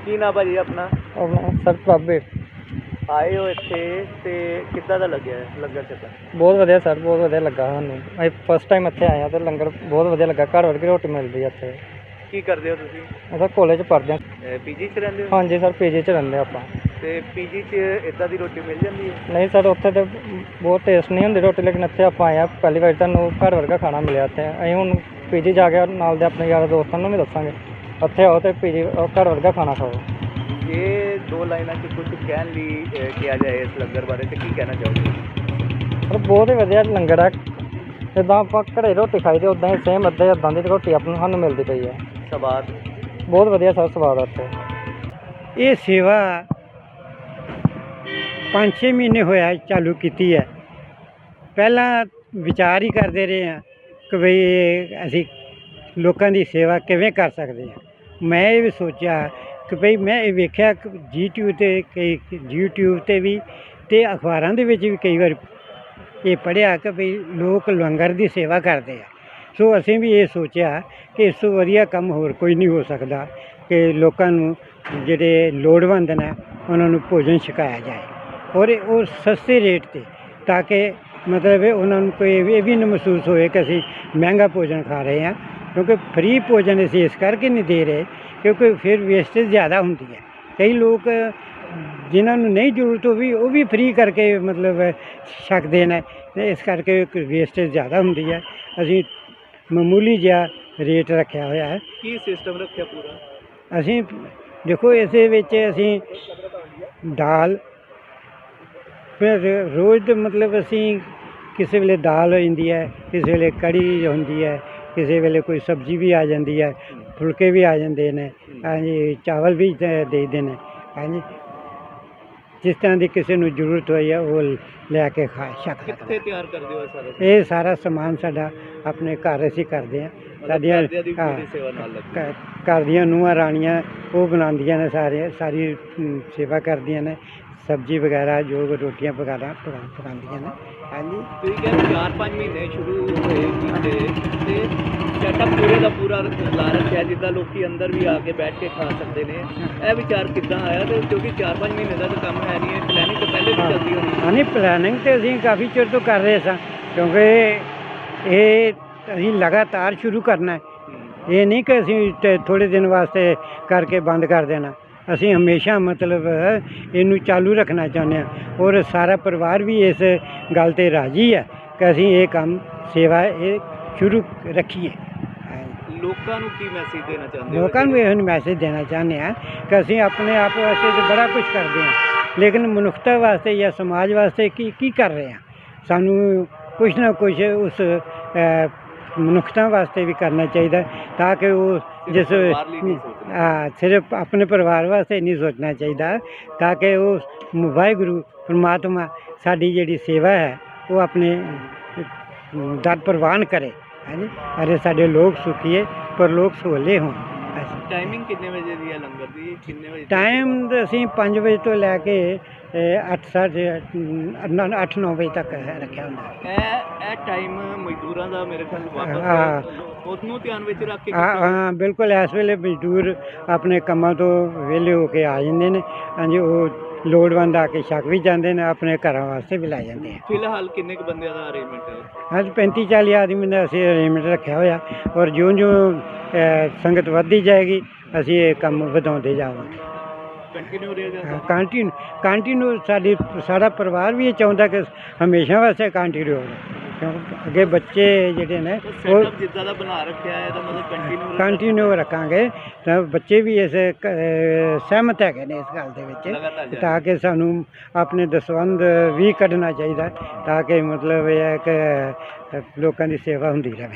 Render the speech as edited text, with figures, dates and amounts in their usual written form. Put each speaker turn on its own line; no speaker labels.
ਕੀ ਨਾ ਭਾਜੀ ਆਪਣਾ?
ਆਪਣਾ ਸਰ ਬਾਬੇ
ਆਏ ਹੋ ਇੱਥੇ ਤੇ ਕਿੱਦਾਂ ਦਾ ਲੱਗਿਆ ਲੰਗਰ ਛਕਣ?
ਬਹੁਤ ਵਧੀਆ ਸਰ, ਬਹੁਤ ਵਧੀਆ ਲੱਗਾ ਸਾਨੂੰ। ਅਸੀਂ ਫਸਟ ਟਾਈਮ ਇੱਥੇ ਆਏ ਹਾਂ ਤੇ ਲੰਗਰ ਬਹੁਤ ਵਧੀਆ ਲੱਗਾ। ਘਰ ਵਰਗੀ ਰੋਟੀ ਮਿਲਦੀ ਹੈ ਇੱਥੇ।
ਕੀ ਕਰਦੇ ਹੋ ਤੁਸੀਂ?
ਅਸੀਂ ਕਾਲਜ ਪੜ੍ਹਦੇ ਹਾਂ।
ਪੀਜੀ 'ਚ ਰਹਿੰਦੇ ਹੋ?
ਹਾਂਜੀ ਸਰ, ਪੀਜੀ 'ਚ ਰਹਿੰਦੇ ਆਪਾਂ।
ਤੇ ਪੀਜੀ 'ਚ ਇੱਦਾਂ ਦੀ ਰੋਟੀ ਮਿਲ ਜਾਂਦੀ ਹੈ?
ਨਹੀਂ ਸਰ, ਉੱਥੇ ਤਾਂ ਬਹੁਤ ਟੇਸਟ ਨਹੀਂ ਹੁੰਦੀ ਰੋਟੀ, ਲੇਕਿਨ ਇੱਥੇ ਆਪਾਂ ਆਏ ਹਾਂ ਪਹਿਲੀ ਵਾਰ, ਤੁਹਾਨੂੰ ਘਰ ਵਰਗਾ ਖਾਣਾ ਮਿਲਿਆ ਇੱਥੇ। ਅਸੀਂ ਹੁਣ ਪੀਜੀ ਜਾ ਕੇ ਨਾਲ ਦੇ ਆਪਣੇ ਯਾਰਾਂ ਦੋਸਤਾਂ ਨੂੰ ਵੀ ਦੱਸਾਂਗੇ ਇੱਥੇ ਆਓ ਤੇ ਪੀਜੀ ਘਰ ਵਰਗਾ ਖਾਣਾ ਖਾਓ।
ਇਹ ਦੋ ਲਾਈਨਾਂ 'ਚ ਕੁਝ ਕਹਿਣ ਲਈ ਕਿਹਾ ਜਾਏ ਇਸ ਲੰਗਰ ਬਾਰੇ ਤੇ ਕੀ ਕਹਿਣਾ ਚਾਹੋਗੇ?
ਪਰ ਬਹੁਤ ਹੀ ਵਧੀਆ ਲੰਗਰ ਹੈ। ਜਿੱਦਾਂ ਆਪਾਂ ਘਰੇ ਰੋਟੀ ਖਾਈ ਦੀ ਉੱਦਾਂ ਹੀ ਸੇਮ ਇੱਦਾਂ ਦੀ ਰੋਟੀ ਸਾਨੂੰ ਮਿਲਦੀ ਪਈ ਹੈ।
ਸਵਾਦ
ਬਹੁਤ ਵਧੀਆ ਸਰ, ਸਵਾਦ ਆ ਇੱਥੇ।
ਇਹ ਸੇਵਾ 5-6 ਮਹੀਨੇ ਹੋਇਆ ਚਾਲੂ ਕੀਤੀ ਹੈ। ਪਹਿਲਾਂ ਵਿਚਾਰ ਹੀ ਕਰਦੇ ਰਹੇ ਹਾਂ ਕਿ ਬਈ ਅਸੀਂ ਲੋਕਾਂ ਦੀ ਸੇਵਾ ਕਿਵੇਂ ਕਰ ਸਕਦੇ ਹਾਂ। ਮੈਂ ਇਹ ਵੀ ਸੋਚਿਆ ਕਿ ਭਈ ਮੈਂ ਇਹ ਵੇਖਿਆ ਕਿ YouTube 'ਤੇ ਵੀ ਅਤੇ ਅਖਬਾਰਾਂ ਦੇ ਵਿੱਚ ਵੀ ਕਈ ਵਾਰ ਇਹ ਪੜ੍ਹਿਆ ਕਿ ਭਈ ਲੋਕ ਲੰਗਰ ਦੀ ਸੇਵਾ ਕਰਦੇ ਆ। ਸੋ ਅਸੀਂ ਵੀ ਇਹ ਸੋਚਿਆ ਕਿ ਇਸ ਤੋਂ ਵਧੀਆ ਕੰਮ ਹੋਰ ਕੋਈ ਨਹੀਂ ਹੋ ਸਕਦਾ ਕਿ ਲੋਕਾਂ ਨੂੰ ਜਿਹੜੇ ਲੋੜਵੰਦ ਨੇ ਉਹਨਾਂ ਨੂੰ ਭੋਜਨ ਛਕਾਇਆ ਜਾਏ, ਔਰ ਉਹ ਸਸਤੇ ਰੇਟ 'ਤੇ, ਤਾਂ ਕਿ ਮਤਲਬ ਉਹਨਾਂ ਨੂੰ ਕੋਈ ਇਹ ਵੀ ਨਾ ਮਹਿਸੂਸ ਹੋਏ ਕਿ ਅਸੀਂ ਮਹਿੰਗਾ ਭੋਜਨ ਖਾ ਰਹੇ ਹਾਂ। ਕਿਉਂਕਿ ਫ੍ਰੀ ਭੋਜਨ ਅਸੀਂ ਇਸ ਕਰਕੇ ਨਹੀਂ ਦੇ ਰਹੇ ਕਿਉਂਕਿ ਫਿਰ ਵੇਸਟੇਜ ਜ਼ਿਆਦਾ ਹੁੰਦੀ ਹੈ। ਕਈ ਲੋਕ ਜਿਨ੍ਹਾਂ ਨੂੰ ਨਹੀਂ ਜ਼ਰੂਰਤ ਉਹ ਵੀ ਫ੍ਰੀ ਕਰਕੇ ਮਤਲਬ ਛਕਦੇ ਨੇ, ਅਤੇ ਇਸ ਕਰਕੇ ਵੇਸਟੇਜ ਜ਼ਿਆਦਾ ਹੁੰਦੀ ਹੈ। ਅਸੀਂ ਮਾਮੂਲੀ ਜਿਹਾ ਰੇਟ ਰੱਖਿਆ ਹੋਇਆ ਹੈ।
ਕੀ ਸਿਸਟਮ ਰੱਖਿਆ ਪੂਰਾ?
ਅਸੀਂ ਦੇਖੋ ਇਸੇ ਵਿੱਚ ਅਸੀਂ ਦਾਲ, ਫਿਰ ਰੋਜ਼ ਦੇ ਮਤਲਬ ਅਸੀਂ ਕਿਸੇ ਵੇਲੇ ਦਾਲ ਹੋ ਜਾਂਦੀ ਹੈ, ਕਿਸੇ ਵੇਲੇ ਕੜੀ ਹੁੰਦੀ ਹੈ, ਕਿਸੇ ਵੇਲੇ ਕੋਈ ਸਬਜ਼ੀ ਵੀ ਆ ਜਾਂਦੀ ਹੈ, ਫੁਲਕੇ ਵੀ ਆ ਜਾਂਦੇ ਨੇ, ਹਾਂਜੀ ਚਾਵਲ ਵੀ ਦੇ ਦਿੰਦੇ ਨੇ, ਹਾਂਜੀ ਜਿਸ ਤਰ੍ਹਾਂ ਦੀ ਕਿਸੇ ਨੂੰ ਜ਼ਰੂਰਤ ਹੋਈ ਹੈ ਉਹ ਲੈ ਕੇ ਖਾ ਸਕਦਾ।
ਕਿੱਥੇ ਤਿਆਰ ਕਰਦੇ ਹੋ ਸਾਰਾ?
ਇਹ ਸਾਰਾ ਸਮਾਨ ਸਾਡਾ ਆਪਣੇ ਘਰ ਅਸੀਂ ਕਰਦੇ ਹਾਂ। ਸਾਡੀਆਂ
ਸੇਵਾ ਨਾਲ ਲੱਗੀ।
ਘਰ ਦੀਆਂ ਨੂੰਹਾਂ ਰਾਣੀਆਂ ਉਹ ਬਣਾਉਂਦੀਆਂ ਨੇ, ਸਾਰੀ ਸੇਵਾ ਕਰਦੀਆਂ ਨੇ, ਸਬਜ਼ੀ ਵਗੈਰਾ ਜੋ ਰੋਟੀਆਂ ਵਗੈਰਾ ਪਕਾਉਂਦੀਆਂ ਨੇ। ਹਾਂਜੀ,
ਤੁਸੀਂ ਕਹਿੰਦੇ 4-5 ਮਹੀਨੇ ਸ਼ੁਰੂ ਹੋਏ ਕੀਤੇ ਤੇ ਸੈਟਅਪ ਪੂਰੇ ਦਾ ਪੂਰਾ ਲਾ ਰੱਖਿਆ ਜਿੱਦਾਂ ਲੋਕੀ ਅੰਦਰ ਵੀ ਆ ਕੇ ਬੈਠ ਕੇ ਖਾ ਸਕਦੇ ਨੇ। ਇਹ ਵਿਚਾਰ ਕਿੱਦਾਂ ਆਇਆ? ਤੇ ਕਿਉਂਕਿ 4-5 ਮਹੀਨੇ ਦਾ ਤਾਂ ਕੰਮ ਹੈ ਨਹੀਂ, ਇਹ ਪਲੈਨਿੰਗ ਤਾਂ ਪਹਿਲੇ ਵੀ ਚੱਲਦੀ ਹੋਣੀ।
ਹਾਂ ਨਹੀਂ, ਪਲੈਨਿੰਗ ਤਾਂ ਅਸੀਂ ਕਾਫੀ ਚਿਰ ਤੋਂ ਕਰ ਰਹੇ ਸਾਂ, ਕਿਉਂਕਿ ਇਹ ਅਸੀਂ ਲਗਾਤਾਰ ਸ਼ੁਰੂ ਕਰਨਾ ਹੈ। ਇਹ ਨਹੀਂ ਕਿ ਅਸੀਂ ਥੋੜ੍ਹੇ ਦਿਨ ਵਾਸਤੇ ਕਰਕੇ ਬੰਦ ਕਰ ਦੇਣਾ। ਅਸੀਂ ਹਮੇਸ਼ਾ ਮਤਲਬ ਇਹਨੂੰ ਚਾਲੂ ਰੱਖਣਾ ਚਾਹੁੰਦੇ ਹਾਂ, ਔਰ ਸਾਰਾ ਪਰਿਵਾਰ ਵੀ ਇਸ ਗੱਲ 'ਤੇ ਰਾਜ਼ੀ ਹੈ ਕਿ ਅਸੀਂ ਇਹ ਕੰਮ ਸੇਵਾ ਇਹ ਸ਼ੁਰੂ ਰੱਖੀਏ।
ਲੋਕਾਂ ਨੂੰ ਕੀ ਮੈਸੇਜ ਦੇਣਾ ਚਾਹੁੰਦੇ ਹੋ?
ਲੋਕਾਂ ਨੂੰ ਇਹ ਮੈਸੇਜ ਦੇਣਾ ਚਾਹੁੰਦੇ ਹਾਂ ਕਿ ਅਸੀਂ ਆਪਣੇ ਆਪ ਵਾਸਤੇ ਤਾਂ ਬੜਾ ਕੁਝ ਕਰਦੇ ਹਾਂ, ਲੇਕਿਨ ਮਨੁੱਖਤਾ ਵਾਸਤੇ ਜਾਂ ਸਮਾਜ ਵਾਸਤੇ ਕੀ ਕਰ ਰਹੇ ਹਾਂ। ਸਾਨੂੰ ਕੁਛ ਨਾ ਕੁਛ ਉਸ ਮਨੁੱਖਤਾ ਵਾਸਤੇ ਵੀ ਕਰਨਾ ਚਾਹੀਦਾ, ਤਾਂ ਕਿ ਉਹ ਸਿਰਫ ਆਪਣੇ ਪਰਿਵਾਰ ਵਾਸਤੇ ਨਹੀਂ ਸੋਚਣਾ ਚਾਹੀਦਾ, ਤਾਂ ਕਿ ਉਹ ਵਾਹਿਗੁਰੂ ਪਰਮਾਤਮਾ ਸਾਡੀ ਜਿਹੜੀ ਸੇਵਾ ਹੈ ਉਹ ਆਪਣੇ ਦਰ ਪ੍ਰਵਾਨ ਕਰੇ। ਹਾਂਜੀ, ਅਰੇ ਸਾਡੇ ਲੋਕ ਸੁਖੀਏ ਪਰ ਲੋਕ ਸੋਲੇ ਹੋਣ।
ਟਾਈਮਿੰਗ ਕਿੰਨੇ ਵਜੇ ਦੀ ਹੈ ਲੰਗਰ ਦੀ? ਕਿੰਨੇ ਵਜੇ
ਟਾਈਮ ਅਸੀਂ 5 ਵਜੇ ਤੋਂ ਲੈ ਕੇ 8-9 ਵਜੇ ਤੱਕ ਰੱਖਿਆ ਹੁੰਦਾ।
ਇਹ ਟਾਈਮ ਮਜ਼ਦੂਰਾਂ ਦਾ ਮੇਰੇ ਖਿਆਲ ਵਾਪਸ ਉਹਨੂੰ ਧਿਆਨ ਵਿੱਚ ਰੱਖ ਕੇ?
ਹਾਂ ਬਿਲਕੁਲ, ਇਸ ਵੇਲੇ ਮਜ਼ਦੂਰ ਆਪਣੇ ਕੰਮਾਂ ਤੋਂ ਵਿਹਲੇ ਹੋ ਕੇ ਆ ਜਾਂਦੇ ਨੇ। ਹਾਂਜੀ, ਉਹ ਲੋੜਵੰਦ ਆ ਕੇ ਛਕ ਵੀ ਜਾਂਦੇ ਨੇ, ਆਪਣੇ ਘਰਾਂ ਵਾਸਤੇ ਵੀ ਲੈ ਜਾਂਦੇ ਆ।
ਫਿਲਹਾਲ ਕਿੰਨੇ ਕੁ ਬੰਦਿਆਂ ਦਾ ਅਰੇਂਜਮੈਂਟ ਹੈ?
ਅੱਜ 35-40 ਆਦਮੀ ਦਾ ਅਸੀਂ ਅਰੇਂਜਮੈਂਟ ਰੱਖਿਆ ਹੋਇਆ, ਔਰ ਜਿਉਂ ਸੰਗਤ ਵੱਧਦੀ ਜਾਏਗੀ ਅਸੀਂ ਇਹ ਕੰਮ ਵਧਾਉਂਦੇ ਜਾਵਾਂਗੇ।
ਕੰਟੀਨਿਊ ਰਹੇਗਾ?
ਕੰਟੀਨਿਊ ਸਾਡਾ ਪਰਿਵਾਰ ਵੀ ਇਹ ਚਾਹੁੰਦਾ ਕਿ ਹਮੇਸ਼ਾ ਵਾਸਤੇ ਕੰਟੀਨਿਊ ਹੋਵੇ, ਕਿਉਂਕਿ ਅੱਗੇ ਬੱਚੇ ਜਿਹੜੇ ਨੇ ਉਹ
ਜਿੱਦਾਂ ਦਾ ਬਣਾ ਰੱਖਿਆ ਹੈ ਇਹਦਾ ਮਤਲਬ
ਕੰਟੀਨਿਊ ਰੱਖਾਂਗੇ। ਤਾਂ ਬੱਚੇ ਵੀ ਇਸ ਸਹਿਮਤ ਹੈਗੇ ਨੇ ਇਸ ਗੱਲ ਦੇ ਵਿੱਚ, ਤਾਂ ਕਿ ਸਾਨੂੰ ਆਪਣੇ ਦਸਵੰਧ ਵੀ ਕੱਢਣਾ ਚਾਹੀਦਾ, ਤਾਂ ਕਿ ਮਤਲਬ ਇਹ ਹੈ ਕਿ ਲੋਕਾਂ ਦੀ ਸੇਵਾ ਹੁੰਦੀ ਰਹੇ।